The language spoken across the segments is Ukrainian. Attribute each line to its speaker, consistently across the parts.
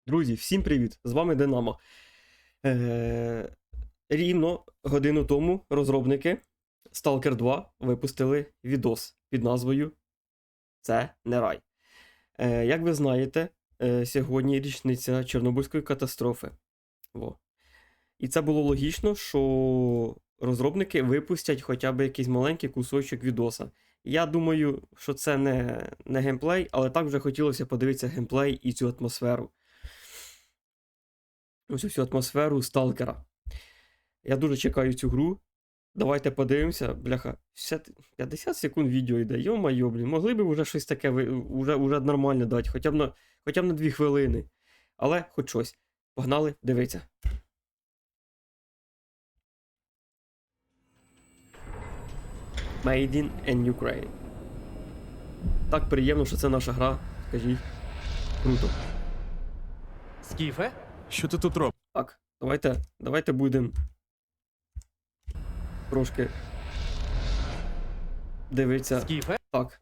Speaker 1: Друзі, всім привіт! З вами Динамо. Рівно годину тому розробники Stalker 2 випустили відос під назвою «Це не рай». Як ви знаєте, сьогодні річниця Чорнобильської катастрофи. Во. І це було логічно, що розробники випустять хоча б якийсь маленький кусочок відоса. Я думаю, що це не геймплей, але так вже хотілося подивитися геймплей і цю атмосферу. Ось всю атмосферу Сталкера. Я дуже чекаю цю гру. Давайте подивимося. Бляха, 50 секунд відео йде. Йо-майо, блін. Могли б вже щось таке уже нормально дати, хоча б на 2 хвилини. Але хоч щось. Погнали, дивіться. Made in Ukraine. Так приємно, що це наша гра. Скажіть. Круто.
Speaker 2: Скіфе?
Speaker 3: Що ти тут робиш?
Speaker 1: Так, давайте будемо трошки дивитися.
Speaker 2: Скіфе?
Speaker 1: Так.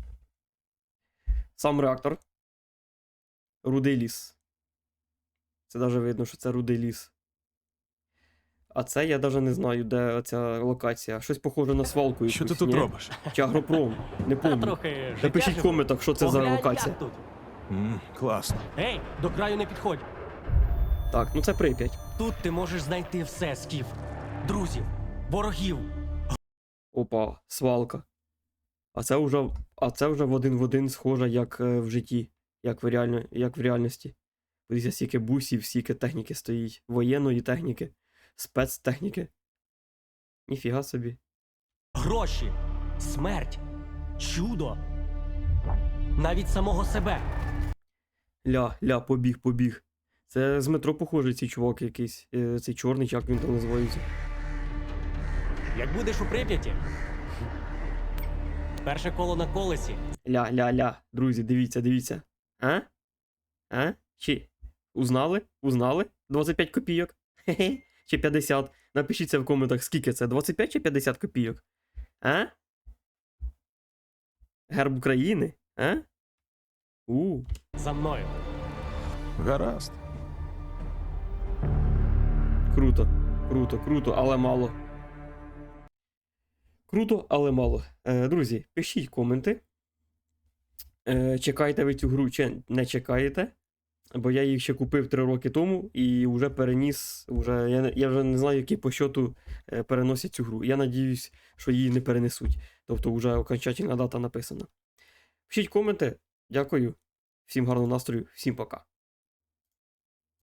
Speaker 1: Сам реактор. Рудий ліс. Це навіть видно, що це рудий ліс. А це я навіть не знаю, де ця локація. Щось похоже на свалку якусь,
Speaker 3: Що ти тут
Speaker 1: ні?
Speaker 3: робиш?
Speaker 1: Чи агропром? Не
Speaker 2: Та
Speaker 1: помню.
Speaker 2: трохи
Speaker 1: Напишіть в
Speaker 2: життя
Speaker 1: коментах, що це за
Speaker 2: Поглянь,
Speaker 1: локація.
Speaker 2: як тут.
Speaker 3: Класно.
Speaker 2: Ей, до краю не підходь.
Speaker 1: Так, ну це Прип'ять.
Speaker 2: Тут ти можеш знайти все, Скіф. Друзів, ворогів.
Speaker 1: Опа, свалка. А це вже в один схоже, як в житті, як в реальності. Подивіться, стільки бусів, стільки техніки стоїть. Воєнної техніки, спецтехніки. Ніфіга собі.
Speaker 2: Гроші, смерть, чудо. Навіть самого себе.
Speaker 1: Побіг. Це з метро похожий цей чувак якийсь. Цей чорний, як він там називається.
Speaker 2: Як будеш у Прип'яті. Перше коло на колесі.
Speaker 1: Друзі, дивіться. А? Чи? Узнали? 25 копійок? Хе-хе. Чи 50? Напишіться в коментах, скільки це, 25 чи 50 копійок? А? Герб України? А?
Speaker 2: За мною.
Speaker 3: Гаразд.
Speaker 1: Круто, але мало. Круто, але мало. Друзі, пишіть коменти. Чекаєте ви цю гру чи не чекаєте? Бо я їх ще купив 3 роки тому і вже переніс. Я вже не знаю, який по счету переносять цю гру. Я надіюсь, що її не перенесуть. Тобто вже окончательна дата написана. Пишіть коменти. Дякую. Всім гарного настрою, всім пока.